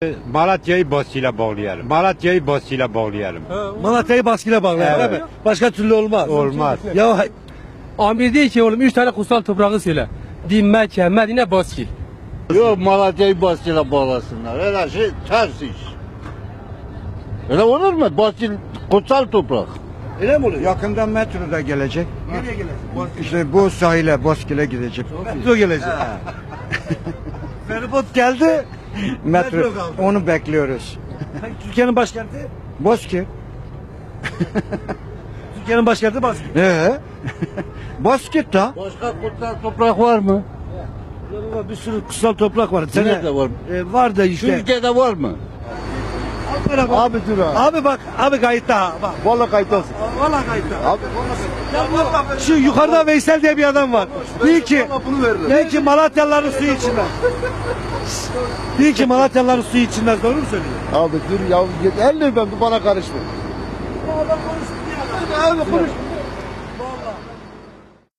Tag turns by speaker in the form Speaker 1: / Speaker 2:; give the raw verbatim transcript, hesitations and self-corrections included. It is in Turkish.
Speaker 1: Malatya'yı Boski'yle bağlayalım. Malatya'yı Boski'yle bağlayalım.
Speaker 2: Malatya'yı baskıyla bağlayalım.
Speaker 1: Evet.
Speaker 2: Evet. Başka türlü olmaz.
Speaker 1: Olmaz.
Speaker 2: Ya hay-
Speaker 3: Amir diyor ki oğlum üç tane kutsal toprağı söyle. Din, Mekke, Medine, Baski.
Speaker 4: Yok Malatya'yı Baskil'e bağlasınlar. Öyle şey ters iş. Öyle olur mu? Baskil kutsal toprak.
Speaker 2: öyle mi oluyor?
Speaker 5: Yakında metro da gelecek.
Speaker 2: Nereye gelecek?
Speaker 5: İşte bu sahile, Boskil'e gidecek.
Speaker 2: Metro gelecek. Feribot geldi.
Speaker 5: Metro,
Speaker 2: Metro kaldı.
Speaker 5: onu bekliyoruz.
Speaker 2: Peki Türkiye'nin başkenti?
Speaker 5: Boski.
Speaker 2: Türkiye'nin başkenti Baskı.
Speaker 5: Ee? Boskit da.
Speaker 4: Başka kutsal toprak var mı?
Speaker 2: Bir sürü kutsal toprak var. Sene,
Speaker 4: Nerede var?
Speaker 2: E, var da işte.
Speaker 4: Türkiye'de var mı?
Speaker 2: Abi,
Speaker 4: Abi dur abi.
Speaker 2: abi bak, abi kayıtta ha, bak.
Speaker 4: Valla kayıt olsun.
Speaker 2: Valla kayıtta.
Speaker 4: Abi
Speaker 2: Şu yukarıda Veysel diye bir adam var. Diyor ki,
Speaker 4: bunu verdi.
Speaker 2: diyor ki Malatyalıların suyu içmez. Diyor ki Malatyalıların suyu içmez. Doğru mu söylüyor?
Speaker 4: Abi dur ya git elle ben bana karışma.
Speaker 2: Abi konuş. Vallahi.